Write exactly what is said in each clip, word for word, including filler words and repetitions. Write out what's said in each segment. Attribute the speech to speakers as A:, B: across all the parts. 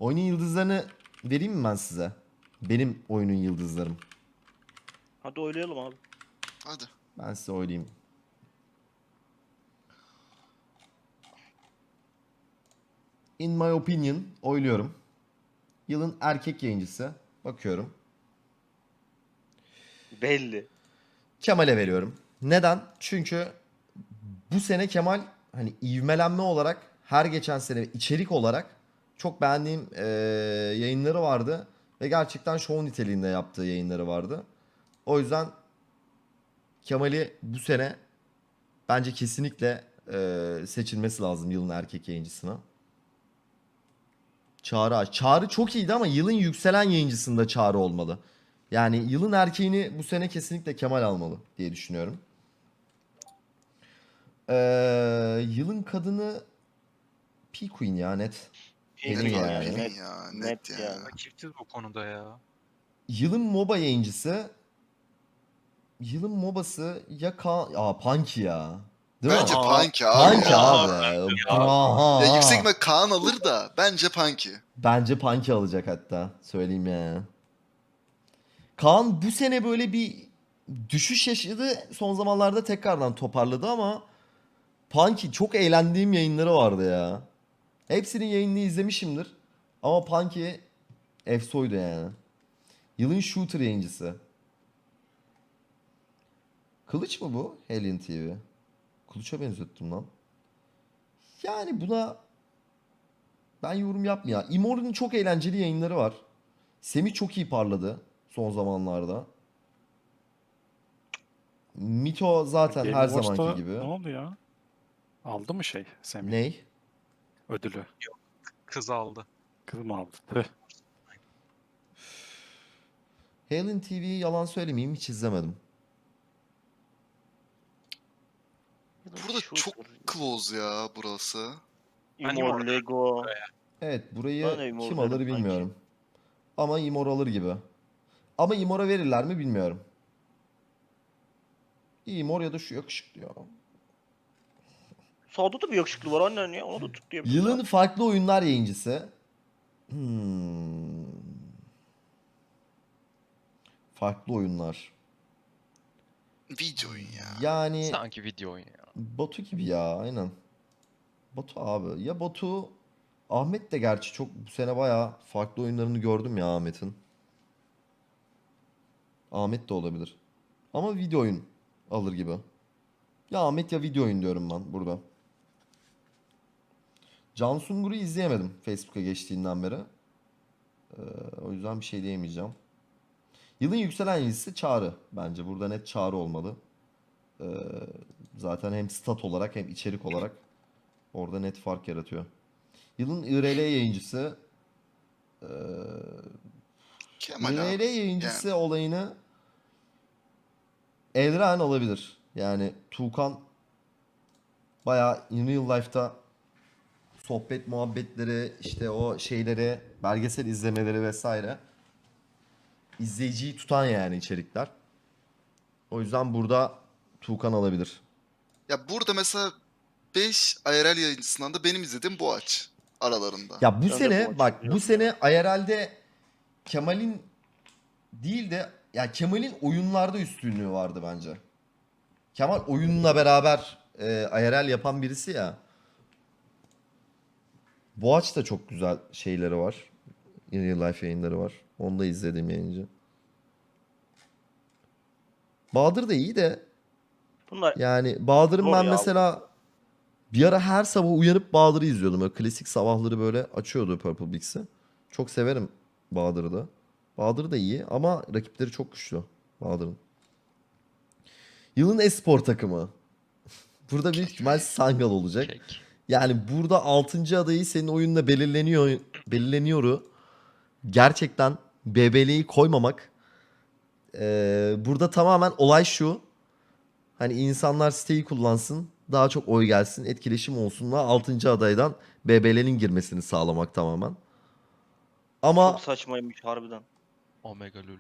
A: Oyunun yıldızlarını vereyim mi ben size? Benim oyunun yıldızlarım.
B: Hadi oynayalım abi.
C: Hadi.
A: Ben size oynayayım. In my opinion oyluyorum. Yılın erkek yayıncısı. Bakıyorum.
B: Belli.
A: Kemal'e veriyorum. Neden? Çünkü bu sene Kemal hani ivmelenme olarak her geçen sene içerik olarak çok beğendiğim eee, yayınları vardı. Ve gerçekten show niteliğinde yaptığı yayınları vardı. O yüzden Kemal'i bu sene bence kesinlikle eee, seçilmesi lazım yılın erkek yayıncısına. Çağrı. Çağrı çok iyiydi ama yılın yükselen yayıncısında Çağrı olmalı. Yani yılın erkeğini bu sene kesinlikle Kemal almalı diye düşünüyorum. Ee, yılın kadını P-Queen ya net.
B: Pelin
A: Pelin
C: Net
A: yani.
C: Pelin
B: net,
C: ya. Net,
B: net
C: ya.
B: yani.
D: Rakipsiz bu konuda ya.
A: Yılın MOBA yayıncısı. Yılın MOBA'sı ya Kaan... Aa Punky ya. Değil
C: Bence
A: mi?
D: Aa,
C: Punky abi
A: Punky
C: ya.
A: abi. Aha.
C: Ya yüksek ihtimal Kaan alır da bence Punky.
A: Bence Punky alacak hatta. Söyleyeyim ya. Kaan bu sene böyle bir düşüş yaşadı. Son zamanlarda tekrardan toparladı ama Punky çok eğlendiğim yayınları vardı ya. Hepsinin yayınını izlemişimdir. Ama Punky efsoydu yani. Yılın shooter yayıncısı. Kılıç mı bu? Alien T V. Kılıç'a benzettim lan. Yani buna ben yorum yapmayayım. Immortal'ın çok eğlenceli yayınları var. Semih çok iyi parladı son zamanlarda. Mito zaten
E: Game
A: her
E: Awards'ta
A: zamanki gibi.
E: Ne oldu ya? Aldı mı şey Semih?
A: Ney?
E: Ödülü.
D: Kız aldı.
E: Kız mı aldı? Tüh.
A: Halen T V'yi yalan söylemeyeyim hiç izlemedim.
C: Burada çok close ya burası.
D: Ben
B: Imor,
D: Imor-
B: Lego.
A: Evet burayı
B: Ben de Immortal
A: kim alır
B: derim sanki.
A: bilmiyorum. Ama Imor alır gibi. Ama Imor'a verirler mi bilmiyorum. Imor ya da şu yakışıklı ya.
B: Sağda da bir yakışıklı var annen ya. Onu da tut diye.
A: Yılın farklı oyunlar yayıncısı. Hmm. Farklı oyunlar.
C: Video oyun ya.
A: Yani
F: Sanki video oyunu ya.
A: Batu gibi ya aynen. Batu abi. Ya Batu Ahmet de gerçi çok bu sene bayağı farklı oyunlarını gördüm ya Ahmet'in. Ahmet de olabilir. Ama video oyun alır gibi. Ya Ahmet ya video oyun diyorum ben burada. Can Sungur'u izleyemedim Facebook'a geçtiğinden beri. Ee, o yüzden bir şey diyemeyeceğim. Yılın yükselen yıldızı Çağrı bence. Burada net Çağrı olmalı. Ee, zaten hem stat olarak hem içerik olarak orada net fark yaratıyor. Yılın I R L yayıncısı ee,
C: Kemal
A: I R L
C: abi.
A: yayıncısı olayını Elren alabilir. Yani Tuğkan bayağı in real life'ta sohbet muhabbetleri işte o şeyleri belgesel izlemeleri vesaire izleyiciyi tutan yani içerikler. O yüzden burada Tuğkan alabilir.
C: Ya burada mesela beş I R L yayıncısından da benim izlediğim bu aç aralarında.
A: Ya bu
B: Ben de bu
A: sene
B: maçı
A: bak bu
B: biliyorum
A: sene I R L'de Kemal'in değil de ya Kemal'in oyunlarda üstünlüğü vardı bence. Kemal oyunla beraber e, I R L yapan birisi ya. Boğaç da çok güzel şeyleri var. In real life yayınları var. Onu da izledim yayıncı. Bahadır da iyi de
B: Bunlar
A: yani Bahadır'ın
B: Zor
A: ben
B: ya.
A: mesela bir ara her sabah uyanıp Bahadır'ı izliyordum. Böyle klasik sabahları böyle açıyordu Purple Bix'i. Çok severim Bahadır'ı da. Bahadır da iyi ama rakipleri çok güçlü Bahadır'ın. Yılın espor takımı. Burada büyük ihtimal Sangal olacak.
F: Kek.
A: Yani burada altıncı adayı senin oyunla belirleniyor belirleniyoru. Gerçekten B B L'yi koymamak. Ee, burada tamamen olay şu. Hani insanlar siteyi kullansın, daha çok oy gelsin, etkileşim olsunla altıncı adaydan B B L'nin girmesini sağlamak tamamen. Ama
B: çok saçmaymış harbiden.
F: Omega Lul.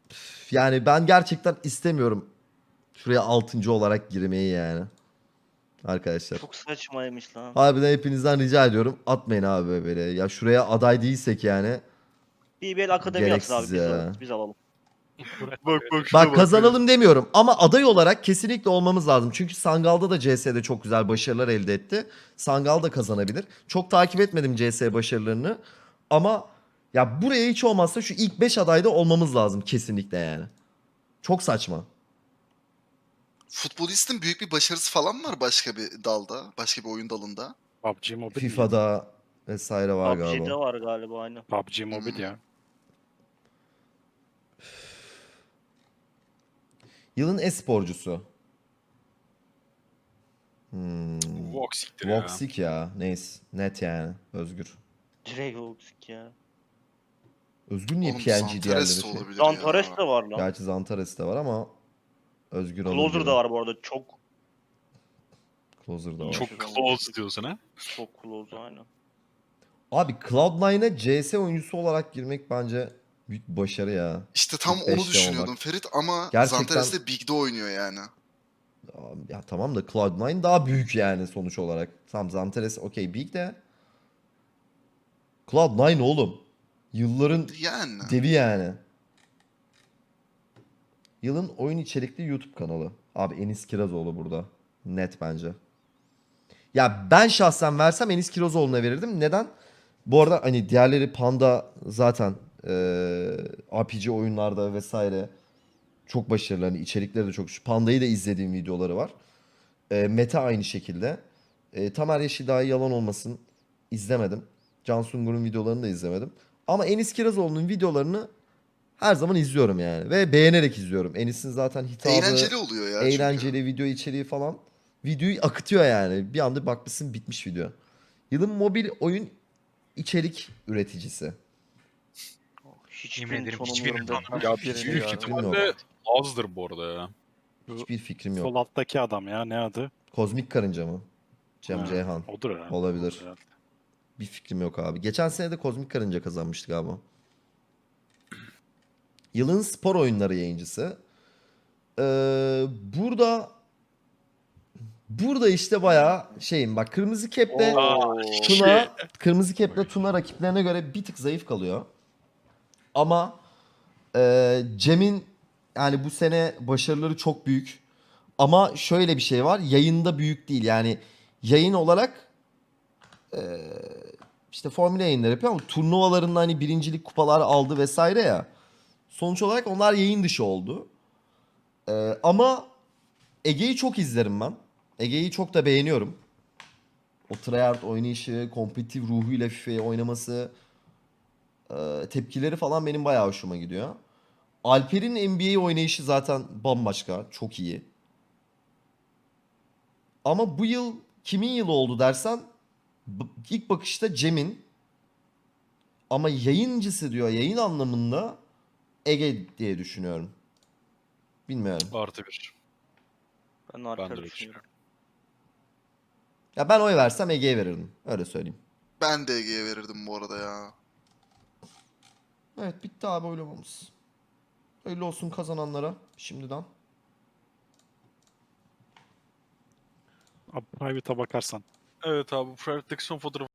A: yani ben gerçekten istemiyorum şuraya altıncı olarak girmeyi yani. arkadaşlar.
B: Çok saçmaymış lan.
A: Harbiden hepinizden rica ediyorum. Atmayın abi böyle. Ya şuraya aday değilsek yani.
B: B B L Akademi atın abi
A: Gereksiz
B: biz,
A: ya.
B: alırız, biz alalım.
C: Bak bak şuna
A: Bak kazanalım demiyorum ama aday olarak kesinlikle olmamız lazım. Çünkü Sangal'da da C S'de çok güzel başarılar elde etti. Sangal da kazanabilir. Çok takip etmedim C S başarılarını. Ama ya buraya hiç olmazsa şu ilk beş adayda olmamız lazım kesinlikle yani. Çok saçma.
C: Futbolistin büyük bir başarısı falan mı var başka bir dalda, başka bir oyun dalında?
E: P U B G Mobile.
A: FIFA'da vesaire var
B: P U B G'de
A: galiba.
B: var galiba aynen.
E: P U B G Mobile ya.
A: Yılın e-sporcusu. Hmm.
G: Voxic'tir ya.
A: Voxic ya. Neyse. Net yani. Özgür.
B: Direkt Voxic ya.
A: Özgür niye
C: Oğlum
A: P N G
C: Zantares
A: diğerleri
C: de
A: şey?
C: olabilir
B: Zantares
C: ya.
B: de var lan.
A: Gerçi Zantares de var ama Özgür olur
B: Closer
A: gibi.
B: da var bu arada. Çok
A: Closer da var.
B: Çok-
G: Çok close diyorsun ha.
B: çok close aynen.
A: Abi Cloud nine'a C S oyuncusu olarak girmek bence büyük bir başarı ya.
C: İşte tam
A: İlk
C: onu
A: beşte
C: düşünüyordum
A: olmak.
C: Ferit ama
A: Gerçekten-
C: Zantares de Big'de oynuyor yani.
A: Ya tamam da Cloud nine daha büyük yani sonuç olarak. Tamam Zantares okey big de. Cloud nine oğlum. Yılların
C: Yani.
A: devi yani. Yılın oyun içerikli YouTube kanalı. Abi Enis Kirazoğlu burada. Net bence. Ya ben şahsen versem Enis Kirazoğlu'na verirdim. Neden? Bu arada hani diğerleri Panda zaten eee R P G oyunlarda vesaire çok başarılı. Hani içerikleri de çok. Şu Panda'yı da izlediğim videoları var. Eee Mete aynı şekilde. Eee Tamer Yeşilday yalan olmasın izlemedim. Can Sungur'un videolarını da izlemedim. Ama Enis Kirazoğlu'nun videolarını her zaman izliyorum yani. Ve beğenerek izliyorum. Enis'in zaten hitabı,
C: Eğlenceli oluyor ya
A: eğlenceli
C: çünkü.
A: video içeriği falan. Videoyu akıtıyor yani. Bir anda bakmışsın bitmiş video. Yılın mobil oyun içerik üreticisi.
B: Hiçbirini
D: ederim, hiçbirini
B: tanımıyorum.
D: tanımıyorum.
G: Ya
E: Hiçbirini
G: büyük
E: ya.
G: ihtimalle azdır bu arada ya.
A: Hiçbir fikrim
E: Sol
A: yok.
E: alttaki adam ya, ne adı?
A: Kozmik Karınca mı? Cem
E: Ha,
A: Ceyhan.
E: Odur herhalde.
A: Olabilir.
E: Odur herhalde.
A: Bir fikrim yok abi. Geçen sene de Kozmik Karınca kazanmıştık galiba. Yılın spor oyunları yayıncısı. Ee, burada burada işte bayağı şeyim bak Kırmızı Kep'le
B: Oo.
A: Tuna Kırmızı Kep'le Tuna rakiplerine göre bir tık zayıf kalıyor. Ama e, Cem'in yani bu sene başarıları çok büyük. Ama şöyle bir şey var. Yayında büyük değil. Yani yayın olarak e, işte formüle yayınları yapıyor ama turnuvalarında hani birincilik kupalar aldı vesaire ya. Sonuç olarak onlar yayın dışı oldu. E, ama Ege'yi çok izlerim ben. Ege'yi çok da beğeniyorum. O tryhard oynayışı, kompetitif ruhuyla FIFA'yı oynaması, e, tepkileri falan benim bayağı hoşuma gidiyor. Alper'in N B A oynayışı zaten bambaşka, çok iyi. Ama bu yıl kimin yılı oldu dersen b- ilk bakışta Cem'in. Ama yayıncısı diyor yayın anlamında Ege diye düşünüyorum. Bilmiyorum.
G: Artı bir.
B: Ben
G: Ben de
B: arka
G: öyle
B: düşünüyorum.
G: düşünüyorum.
A: Ya ben oy versem Ege'ye verirdim. Öyle söyleyeyim.
C: Ben de Ege'ye verirdim bu arada ya.
A: Evet bitti abi oylamamız. Öyle olsun kazananlara şimdiden.
E: Abi private'a bakarsan.
G: Evet abi, Private'deki son fotoğrafı